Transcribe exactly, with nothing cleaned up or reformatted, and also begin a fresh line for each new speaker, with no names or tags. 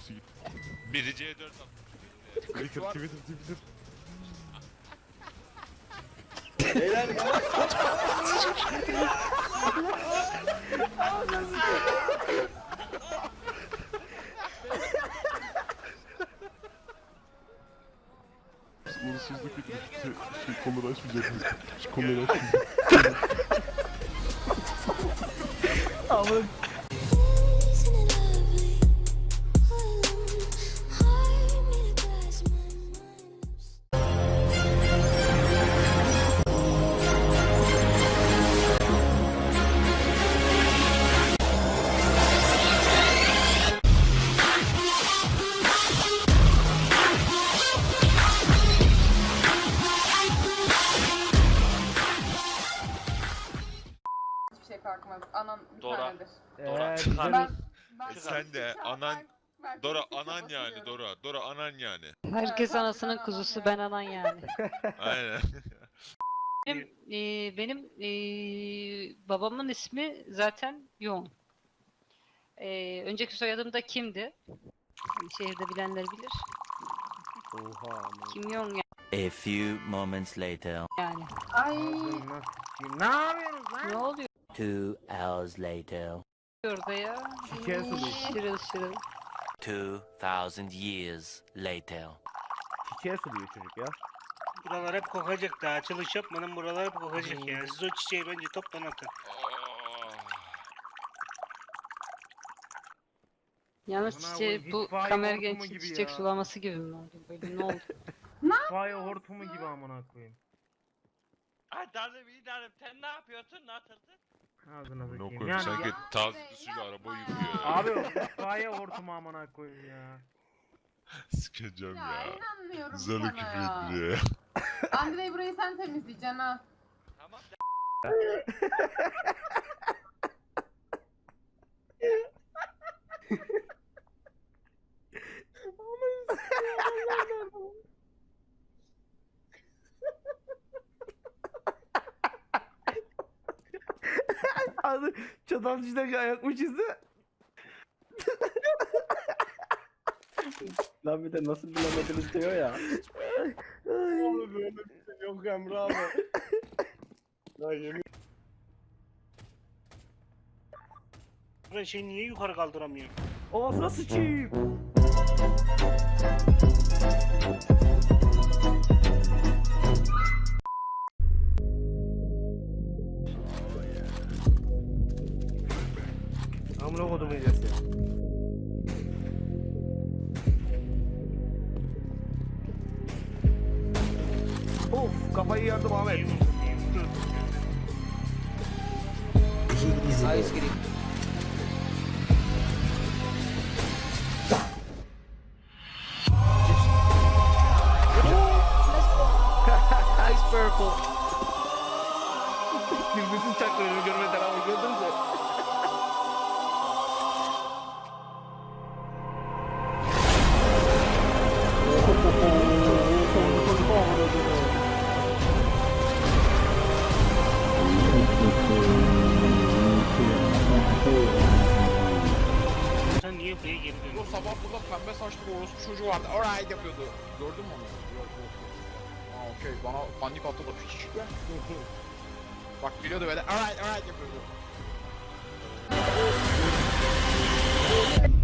Nasıl git?
Biri C dört atmış.
Twitter, Twitter, Twitter.
Beyler ya.
Uğursuzluk etmiş. Şey, şey konuları açmayacak. Şu konuları açmayacak.
Amık.
Şey kalkmaz. Anan bir
Dora.
tanedir.
Dora,
Eee
çıkar.
güzel.
Ben, ben
E
sen de
ben-
anan-
ben- ben
Dora
kesinlikle
anan yani
katılıyorum.
Dora. Dora anan yani.
Herkes
Evet,
anasının
ben
kuzusu,
anan
ben
yani.
anan yani.
Aynen.
Benim, eee, benim eee, babamın ismi zaten Yoğun. Eee, önceki soyadım da Kim'di? Şehirde bilenler bilir.
Oha amık.
Kim Yoğun
A few moments later.
yani.
Ay.
Ağzına s**eyim. Ne yapıyorsunuz lan?
Ne oluyor
Two hours later.
orada ya?
Şeker suluyor.
Şırıl şırıl.
Two thousand years later.
Çiçeğe suluyor çocuk ya.
Buralar hep kokacak daha açılış yapmadan buralar hep kokacak ya. Siz o çiçeği bence toptan atın.
Yalnız
Buna
çiçeği
bu
bu
itfaiye
kamer
hortumu
genç
gibi
çiçek
ya.
sulaması gibi mi oldu? Böyle ne oldu?
Fire hortumu gibi amına koyayım.
Ay darım iyi darım. Sen ne yapıyorsun? Ne atırdın?
Ağzına
Ne
bakayım.
koyayım
Yani
sanki
Ya,
taze
be,
suyla
yapma
araba
ya.
yıkıyor ya.
abi o itfaiye hortumu amına koyayım ya.
Sikeceğim
Ya
ya.
inanmıyorum
Zarı
sana
küfür
ya.
ettiriyor ya.
Andrei burayı sen temizleyeceksin ha.
Tamam.
Abi çatal çizdeki ayak mı çizdi?
Lan bir de nasıl bilemediniz diyor ya.
Oğlum böyle bir şey yok Emre abi. Ya yemin.
Ben şeyi niye yukarı kaldıramıyorum?
Ağzına sıçayım. Amına kodum yiyeceğiz ya. Of kafayı yardım Ahmet.
Ice cream. Ice purple.
Birbirsiz çaktırıyor görmeden ama gördünüz mü?
Sen niye buraya geri
Bu
dönüyorsun?
sabah burada pembe saçlı bir orospu çocuğu vardı. Alright yapıyordu. Gördün mü onu? Yok yok. Aa okey. Bana panik attı da piç. Bak biliyordu böyle. Alright alright yapıyordu.